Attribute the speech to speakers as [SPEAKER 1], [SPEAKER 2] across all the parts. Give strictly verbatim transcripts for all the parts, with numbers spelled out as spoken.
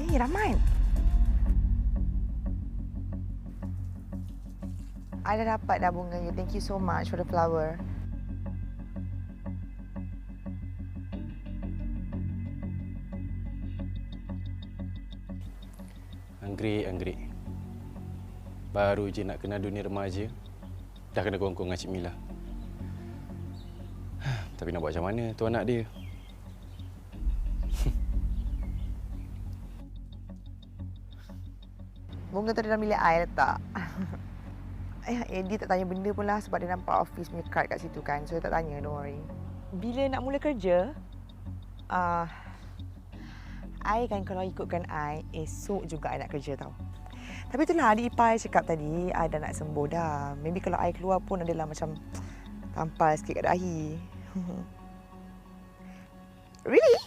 [SPEAKER 1] Ni, Rahman. I dah dapat dah bunga you. Thank you so much for the flower.
[SPEAKER 2] Anggrek, anggrek. Baru je nak kenal dunia remaja, dah kena kongkong dengan Cik Mila. Tapi nak buat macam mana tu anak dia?
[SPEAKER 1] Bunga tu dalam bilik I letak. Ayah, Eddie tak tanya benda pun lah sebab dia nampak office punya card kat situ kan. So, dia tak tanya, don't worry. Bila nak mula kerja, uh, I kan kalau ikutkan I, esok juga I nak kerja tau. Tapi itulah adik ipar I cakap tadi, I dah nak sembuh dah. Maybe kalau I keluar pun adalah macam tampal sikit kat dahi. Really?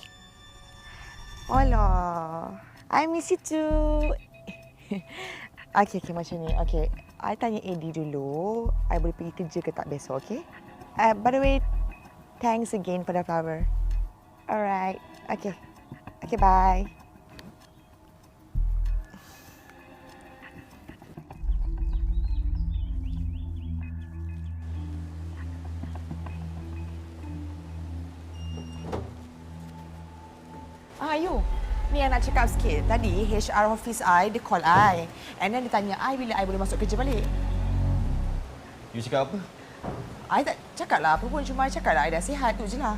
[SPEAKER 1] Alah, I miss you too. Okey, okey macam ni. Okey, I tanya Eddie dulu, I boleh pergi kerja ke tak besok, okey? Uh, by the way, thanks again for the flower. Alright, okey. Okay, bye. Ah, you. Ni yang nak cakap sikit. Tadi H R office I, dia call I. And then dia tanya I bila I boleh masuk kerja balik.
[SPEAKER 3] You cakap apa?
[SPEAKER 1] I tak cakap lah apa pun. Cuma I cakap lah I dah sihat tu je lah.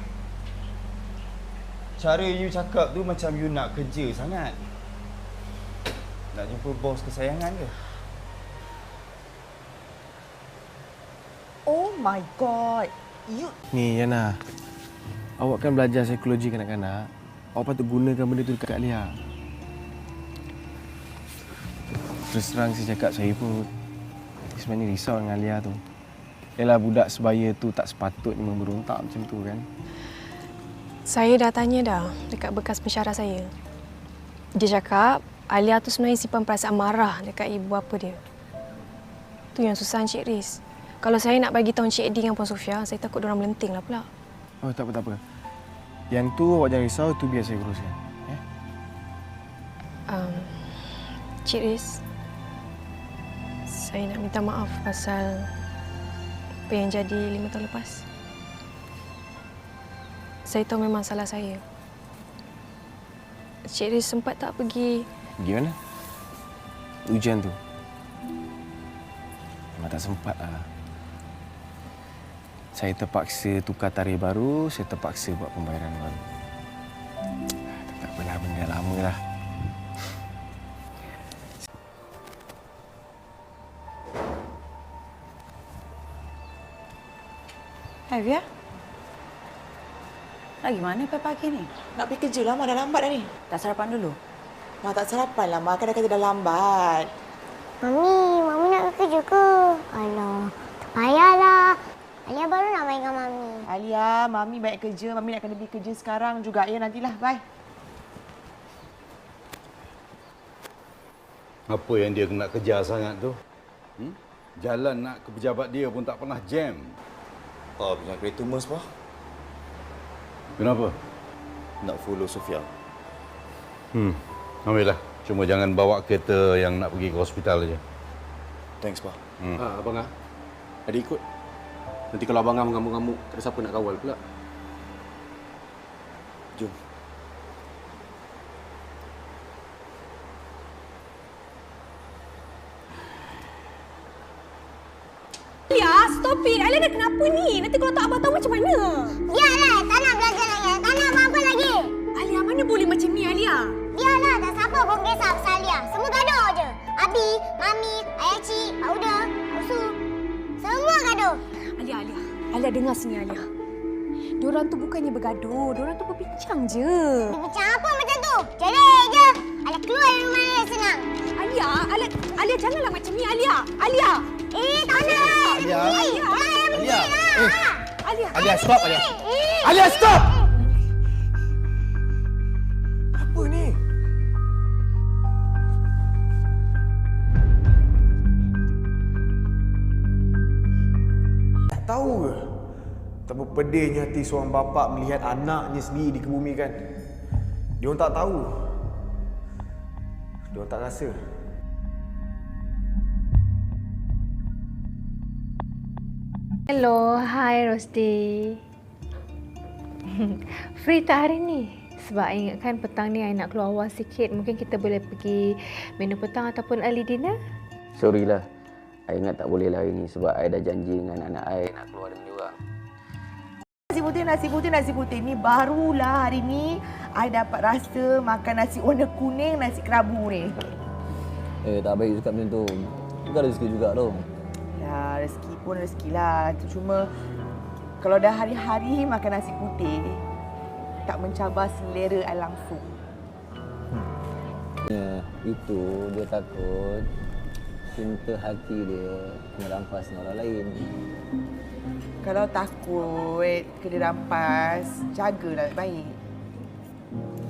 [SPEAKER 3] Cara you cakap tu macam you nak kerja sangat. Nak jumpa bos kesayangan ke?
[SPEAKER 1] Oh my God. You...
[SPEAKER 4] Ni, Yana. Awak kan belajar psikologi kanak-kanak. Awak patut gunakan benda tu dekat Alia. Terus terang saya cakap, saya pun sebenarnya risau dengan Alia tu. Yalah, budak sebaya tu tak sepatutnya memberontak macam tu kan.
[SPEAKER 5] Saya dah tanya dah dekat bekas pensyarah saya. Dia cakap Alia tu sebenarnya simpan perasaan marah dekat ibu bapa dia. Tu yang susah Encik Riz. Kalau saya nak bagi tahu Encik Eddie dengan Puan Sofia, saya takut diorang melenting lah pula.
[SPEAKER 4] Oh, tak apa, tak apa. Yang tu awak jangan risau, tu biar saya uruskan. Ya?
[SPEAKER 5] Um, Encik Riz, saya nak minta maaf pasal apa yang jadi lima tahun lepas. Saya tahu memang salah saya. Encik Riz sempat tak pergi...
[SPEAKER 4] Pergi mana? Ujian tu? Memang tak sempat lah. Saya terpaksa tukar tarikh baru, saya terpaksa buat pembayaran baru. Tak apalah, benda lama lah.
[SPEAKER 6] Hai, Via. Lagi mana pagi ni?
[SPEAKER 1] Nak pergi kerja lah, Mak. Dah lambat dah ni.
[SPEAKER 6] Tak sarapan dulu?
[SPEAKER 1] Mak tak sarapan lah, Mak. Kan dah kata dah lambat.
[SPEAKER 7] Mami, Mami nak ke kerja ke? Alah, tak payahlah. Alia baru nak main dengan Mami.
[SPEAKER 1] Alia, Mami baik kerja. Mami nak kena pergi kerja sekarang juga. Ya, nantilah. Bye.
[SPEAKER 3] Apa yang dia nak kejar sangat tu? Hmm? Jalan nak ke pejabat dia pun tak pernah jam.
[SPEAKER 8] Ah, punya kereta mas, Pak.
[SPEAKER 3] Kenapa?
[SPEAKER 8] Nak follow Sofia.
[SPEAKER 3] Hmm, ambillah. Cuma jangan bawa kereta yang nak pergi ke hospital aja.
[SPEAKER 8] Thanks, Pak.
[SPEAKER 2] Hmm. Ah, abang ah. Ada ikut. Nanti kalau abang ah mengamuk-ngamuk, tak ada siapa nak kawal pula.
[SPEAKER 8] Jom.
[SPEAKER 5] Alia, stop it. Alia dah kenapa ni? Nanti kalau tak abang tahu macam mana?
[SPEAKER 7] Biarlah, tak nak belajar lagi. Tak nak apa-apa lagi.
[SPEAKER 5] Alia, mana boleh macam ni, Alia?
[SPEAKER 7] Biarlah, tak siapa pun kisah pasal Alia. Semua gaduh je. Abi, Mami, Ayah Cik, Pak Uda, Pak Usu. Semua gaduh.
[SPEAKER 5] Alia, Alia. Alia, dengar sini, Alia. Diorang tu bukannya bergaduh. Diorang tu berbincang je.
[SPEAKER 7] Berbincang apa macam tu? Cerai je. Alia keluar dari rumah ni senang.
[SPEAKER 5] Alia, Alia, Alia janganlah macam ni, Alia. Alia.
[SPEAKER 7] Eh, tak nak.
[SPEAKER 4] Alia.
[SPEAKER 7] Alia.
[SPEAKER 4] Alia.
[SPEAKER 7] Eh.
[SPEAKER 5] Alia.
[SPEAKER 4] Alia, stop, Alia.
[SPEAKER 7] Eh.
[SPEAKER 4] Alia, stop! Apa ni? Tak tahu ke? Betapa pedihnya hati seorang bapa melihat anaknya sendiri dikebumikan. Dia orang tak tahu.
[SPEAKER 3] Diorang tak rasa.
[SPEAKER 9] Hello, hi Rosdi. Free tak hari ni? Sebab I ingatkan petang ni I nak keluar awal sikit. Mungkin kita boleh pergi menu petang ataupun early dinner.
[SPEAKER 10] Sorry lah. I ingat tak boleh lah hari ni sebab I dah janji dengan anak I nak keluar dengan dia orang.
[SPEAKER 1] Nasi putih, nasi putih, nasi putih. Ni barulah hari ni I dapat rasa makan nasi warna kuning, nasi kerabu ni.
[SPEAKER 10] Eh, tak baik cakap macam tu. Bukan rezeki juga tu.
[SPEAKER 1] Ya, rezeki pun rezeki lah. Cuma kalau dah hari-hari makan nasi putih, tak mencabar selera I langsung.
[SPEAKER 10] Ya, itu dia takut cinta hati dia kena rampas dengan orang lain.
[SPEAKER 1] Kalau takut kena rampas, jagalah baik.